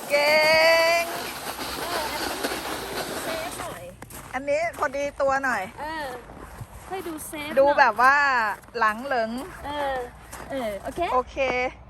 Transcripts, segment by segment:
เก่งเซฟหน่อยอันนี้พอดีตัวหน่อยให้ดูเซฟดูแบบว่าหลังเหลิงโอเคโอเค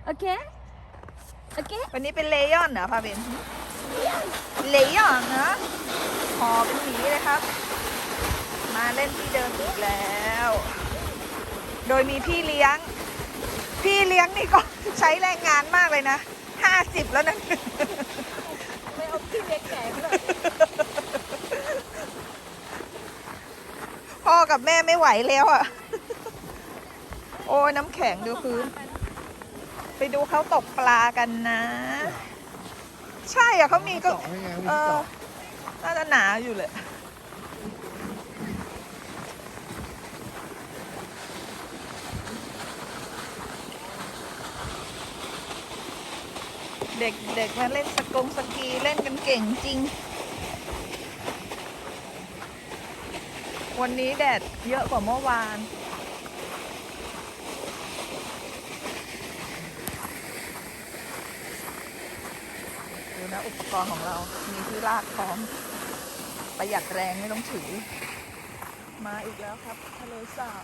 วันนี้เป็นเลยอนเหรอพาเบนเลยอนนะหอเป็นหมีเลยครับมาเล่นที่เดิมอีกแล้วโดยมีพี่เลี้ยงนี่ก็ใช้แรงงานมากเลยนะ50แล้วนะไม่เอาพี่เล็กแก่เลยพ่อกับแม่ไม่ไหวแล้วอ่ะโอ้น้ำแข็งดูพื้นไปดูเขาตกปลากันนะใช่อ่ะเขามีก็น่าจะหนาอยู่เลยเด็กมาเล่นสกีเล่นกันเก่งจริงวันนี้แดดเยอะกว่าเมื่อวานดูนะอุปกรณ์ของเรามีที่ลากพร้อมประหยัดแรงไม่ต้องถือมาอีกแล้วครับทะเลสาบ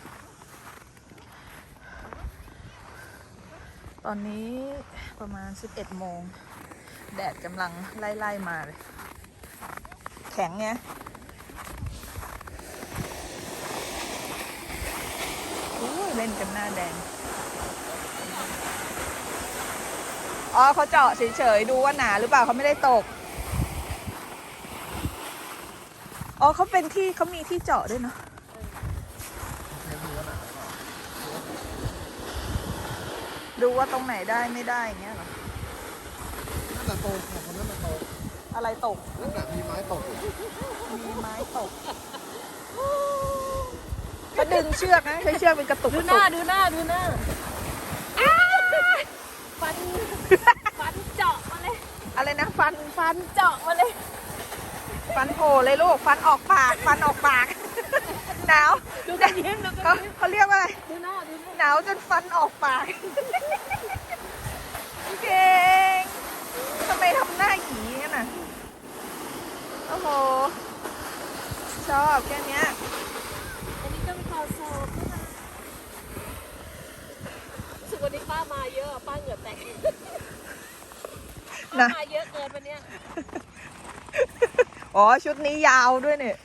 ตอนนี้ประมาณ11 โมงแดดกำลังไล่มาเลยแข็งไงเล่นกันหน้าแดงอ๋อเขาเจาะเฉยๆดูว่าหนาหรือเปล่าเขาไม่ได้ตกอ๋อเขาเป็นที่เขามีที่เจาะด้วยเนาะดูว่าตรงไหนได้ไม่ได้อย่างเงี้ยเหรอนั่นแหละตกคนนั้นแหละตกอะไรตกนั่นแหละมีไม้ตกมีไม้ตกก็ดึงเชือกนะใช้เชือกเป็นกระตุกดูหน้าฟันเจาะมาเลยอะไรนะฟันเจาะมาเลยฟันโผล่เลยลูกฟันออกปากหนาวดูกันยิ้มเขาเรียกว่าอะไรดูหน้าหนาวจนฟันออกปากเก่งทำไมทำหน้าหยีกันน่ะโอ้โหชอบแค่นี้อันนี้ต้องขอสอบนะคะสุดวันนี้ป้ามาเยอะป้าเหงื่อแตกป้ามาเยอะเกินวันนี้อ๋อชุดนี้ยาวด้วยเนี่ย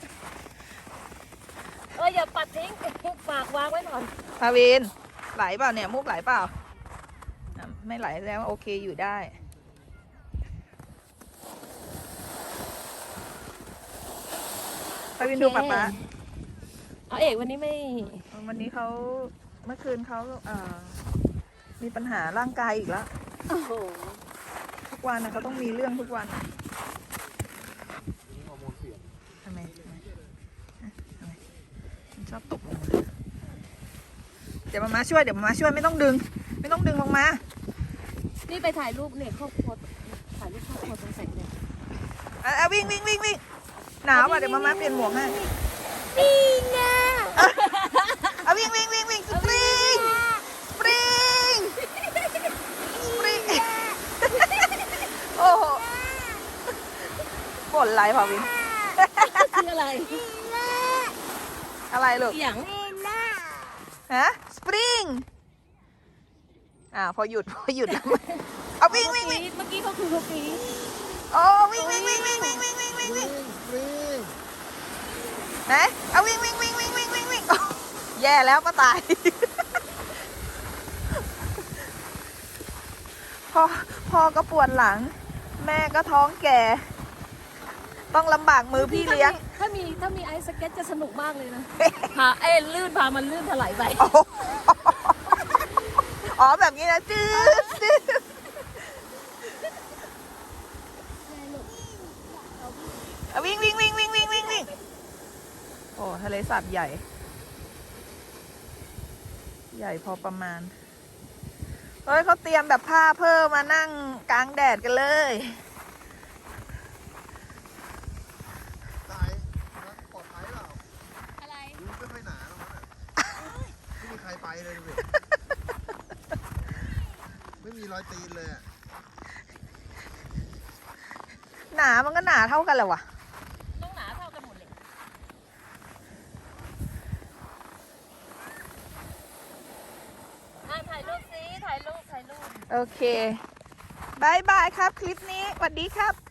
อย่าปัดทิ้งฝากวางไว้ก่อนพาวินไหลเปล่าเนี่ยมุกไหลเปล่าไม่ไหลแล้วโอเคอยู่ได้พาวินดูป๊าป๊าเอกวันนี้ไม่วันนี้เขาเมื่อคืนเขามีปัญหาร่างกายอีกแล้วทุกวันนะเขาต้องมีเรื่องทุกวันทำไมชอบตกลงมาเดี๋ยวมาช่วยไม่ต้องดึงลงมานี่ไปถ่ายรูปเนี่ยครอบครัวถ่ายรูปครอบครัวตรงแสงเนี่ยวิ่งหนาวอ่ะเดี๋ยวมาเปลี่ยนหมวกให้นี่ไงวิ่งสปริงโอ้โหบ่นไรพอวินคืออะไรลูกอย่างฮะสปริงพอหยุดแล้วเอาวิ่งเมื่อกี้เขาคือเขาปีโอ้วิ่งไหนเอาวิ่งแย่แล้วป้าตายพ่อก็ปวดหลังแม่ก็ท้องแก่ต้องลำบากมือพี่เลี้ยงถ้ามีไอซ์สเก็ตจะสนุกมากเลยนะลื่นพามันลื่นถลายไปอ๋อแบบนี้นะจืดวิ่งโอ้ทะเลสาบใหญ่พอประมาณเฮ้ยเขาเตรียมแบบผ้าเพิ่มมานั่งกลางแดดกันเลยตายปลอดภัยเปล่าอะไรไม่ค่อยหนาหรอกไม่มีใครไปเลยดูดิไม่มีรอยตีนเลยหนามันก็หนาเท่ากันแหละวะต้องหนาเท่ากันหมดเลยถ่ายรูปสิถ่ายรูปโอเคบายบายครับคลิปนี้สวัสดีครับ